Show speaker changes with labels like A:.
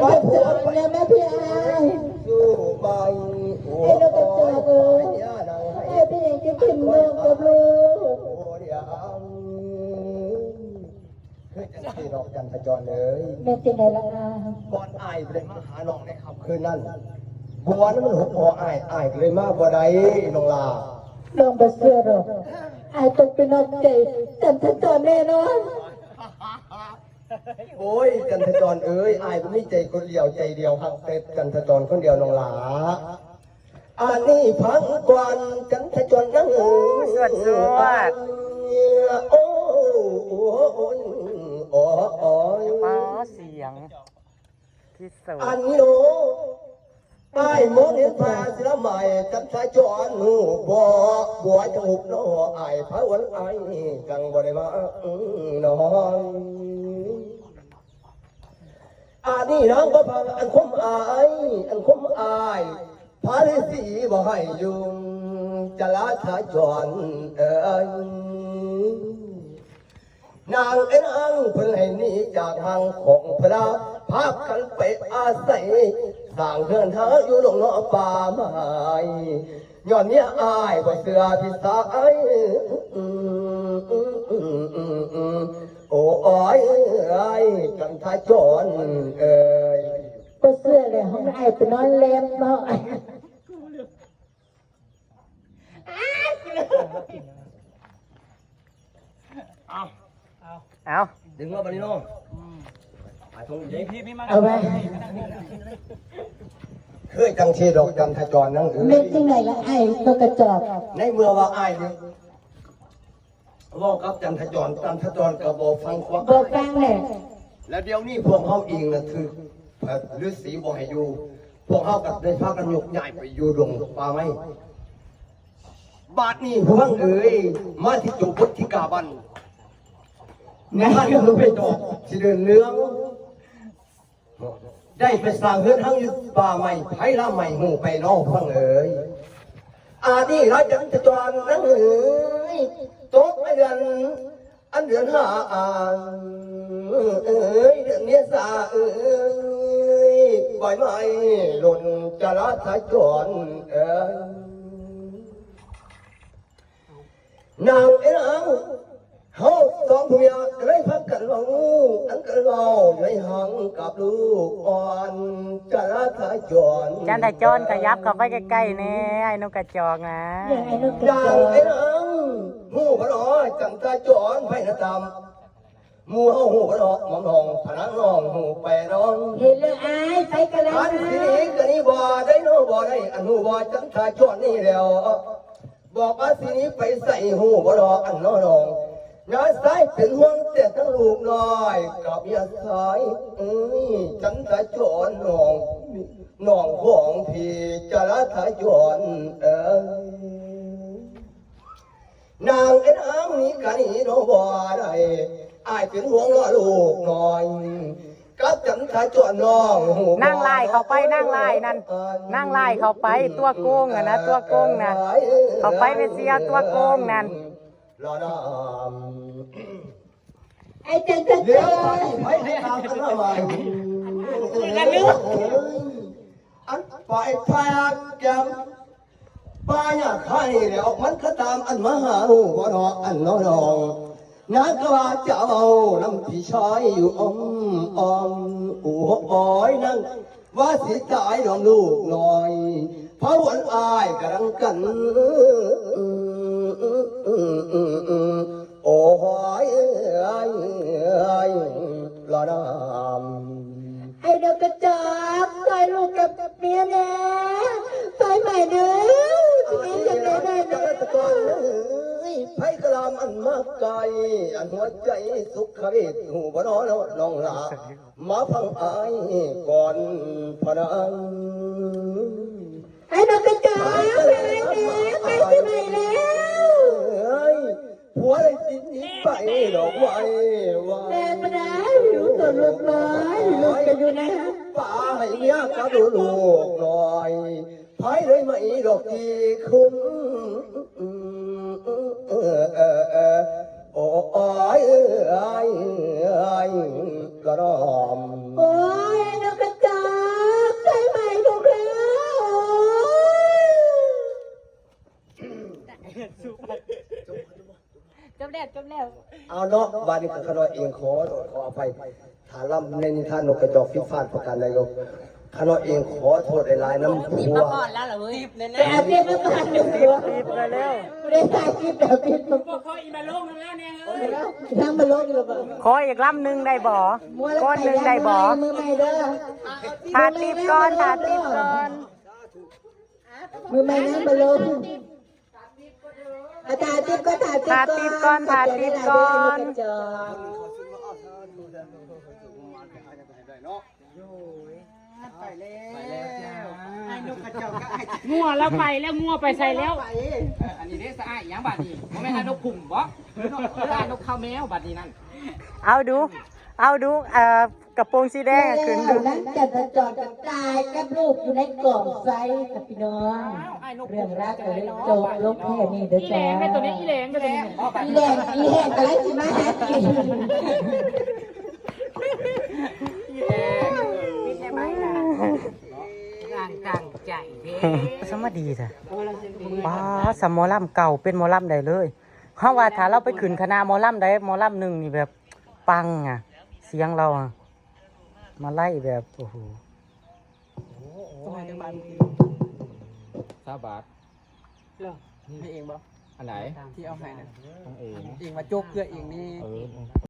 A: ไปผัวเนี่ยแม่พี่ไอ้สู้ไปไอ้นกกระจอกไอ้พี่ยังจะกินนกกับลูก
B: เฮ้ยจังสีดอกจันทจรเลย
A: แม่จริงไหนล่ะ
B: ก่อนอายเลยมาหาน้องในค่ำคืนนั้นบัวนั้นมันหุบหออายเลยมาบ่ได้น้องลา
A: ลองไปเสื้อหรอกไอ้ต้องเป็นนกใจจันทจรแน่นอน
B: โอ้ยจันทจรเอ้ยอายก็ไม่ใจคนเดียวใจเดียวหักแต่จันทจรคนเดียวน้องลาอันนี้พังกวนจันทจรนั่ง
C: สวด
B: โอ้โอ้
C: เสียงที่สุด
B: อันโนใต้มองเห็นฟ้าเสือใหม่จันทจรบัวจมูกน้ออายพระวันไอกังบ่ได้มาน้องอันนี้น้องก็พังอันคมอายพระฤาษีบ่ให้ยุงจะลาทาจรนางเอ็นอังเพิ่นให้หนีจากทางของพระพากันไปอาศัยสร้างเรือนหาอยู่หลงนอป่าไม้ย้อนเนี้ยอายบ่เสือพิสายโอ้ยกันทาจร
A: ก็เสื้อเลยห้องไอ้ไปนอนเล็บเนาะ
C: เอา
B: ดึงมาบันนี้น้อง
A: เอาไป
B: เคยจังเชดอกจันทจรนั่ง
A: เม็ดที่ไหนละไอ้นกกระจอก
B: ในเมื่อว่าไอ้เนี่ยว่ากับจันทจรก็บอกฟังความ
A: บอกฟังเลย
B: แล้วเดี๋ยวนี้พวกเขาเองนะคือฤาษีบอกให้อยู่พวกเขากับในพากันยกใหญ่ไปอยู่ดงป่าไม้บาดนี้พวกเอ๋ยมาที่จุบุตรที่กาบันงานก็รู้ไปดอกที่เดินเรื่องได้ไปสร้างเรือนทั้งยุบป่าใหม่ไผ่ละใหม่หูไปนอกพังเอ๋ยอานี่ร้ายจันทจรนั่งเอ๋ยตกไม่เดือนอันเดือนห้าเอ๋ยเดือนเนี้ยสาเอ๋ยบ่อยไม่หล่นจะรัดทจรเอ๋ยนางเอ๋ยเขาสองผัวก็เลยพักกันเราอันกันเราในห้องกับลูกอ่อนจะรักจร
C: จันทจรขยับเข้าไปใกล้ๆนี่ไอ้นกกระจอกนะ
A: อย่างไอ้นกกระจอก
B: ไอ้น้องหูพระน้อยจันทจรไปนะตามมูเฮาหูพระน้อยมองน้องพนังน้องหูไปน้อง
A: เห็นเลยไอ้ไปกันแล้ว
B: อันสิกันนี่บ่ได้น้องบ่ได้อันหูบ่จันทจรนี่แล้วบอกว่าสินี้ไปใส่หูพระน้อยอันน้องยาสายเป็นห่วงแต่ทั้งลูกน้อยกับยาสายจันทจรน้องของพี่จะรักจรนางเอ็นอ้างนี้กันนี่น้องบ่ได้อายเป็นห่วงลูกน้อยกับจันทจรน้อง
C: นั่งไล่เข้าไปนั่งไล่นั่นนั่งไล่เข้าไปตัวโกงอะนะตัวโกงนะเข้าไปไปเสียตัวโกงนั่น
A: ไอ้จันทจร
B: ไม่ตามกันมาใหม่อันไปพากแก้มป้าอยากให้แล้วมันก็ตามอันมาหาหูบ่รออันน้องนักว่าจะเอาน้ำพี่ชายอยู่อ้อมโอ้ยนั่งว่าสิตายดอมลูกหน่อยเพราะวันอายกำลังกันโอ้ยละน้ำ
A: ไอ้นกกระจอกตายลูกกับเมียแน่ตายใหม่เด้อชีวิตจะได้เด้อ
B: ไผ่กะลามอันมากไกลอันหัวใจสุขฤทธิ์หูบ่น้องลามาฟังอายก่อนพนัง
A: ไอ้นกกระจอกไปแล้วไปที่ไหนแล้ว
B: ผัวเลยดิ้นไปดอกไว้ว่า
A: แม่มาได้อยู่ตัวลูกน้อยลูกจะอยู่ไหน
B: ป้าให้เมียกับลูกหน่อยไผ่เลยไม่ดอกที่คุ้มโอ้ยกระดอม
A: โอ้ยนกกระจอ
B: เอาเนาะวันนี้ขน้อยเองขออภัยฐานลำในนิทานนกกระจอกพิฟาดประการนายกขน้อยเองขอโทษหลายๆน้ำผัว
A: แต่อาชีพไม่ผ่านเลย
C: รีบเร็ว
A: ไม่ได้ถ่ายคลิปแบบนี้ผม
D: เขาอีมาลงแล้วเนี่ยเอ้ย
A: นั่งมาลงอยู่หรอเปล่า
C: ขออีกลำหนึ่งได้บ่ก้อนหนึ่งได้บ่
A: มือใหม่เด้อ
C: ทาติบก้อนทาติบก้อน
A: มือใหม่นั่งมาลงถ่ายติบก็ถ่ายติบก่อน
C: ทาติบก่อน
D: งัวแล้วไปแล้วงัวไปใส่แล้วอันนี้เด้สะอาดอย่างบัดนี้บ่แม่นนกขุ่มบ่ได้นกข้าวแมวบัดนี้นั่น
C: เอาดูกระโปรงสีแดงอะขึ้นดู
A: นั่งจัดจอดกับตายกับลูกอยู่ในกล่องไซกับพี่น้องเรื่องรักเลยจบลบแค่นี้เด้อ
D: อีแหล
A: จ้าง
D: แม่ตัวนี้อีแหลงตัวนี้
A: อีแดงอะไรสิมาหากิน
C: สมดีจ้ะป้าสมหมอลำเก่าเป็นหมอลำได้เลยเขาว่าถ้าเราไปขึ้นคณะหมอลำได้หมอลำหนึ่งนี่แบบปังอ่ะ เสียงเราอ่ะมาไล่แบบโอ้โห
D: 3 บาท
E: นี่เองบ่
D: อันไหน
E: ที่เอาให้นะ
D: ของเอง
E: เองมาโจกเพื่อเองนี่
D: เออ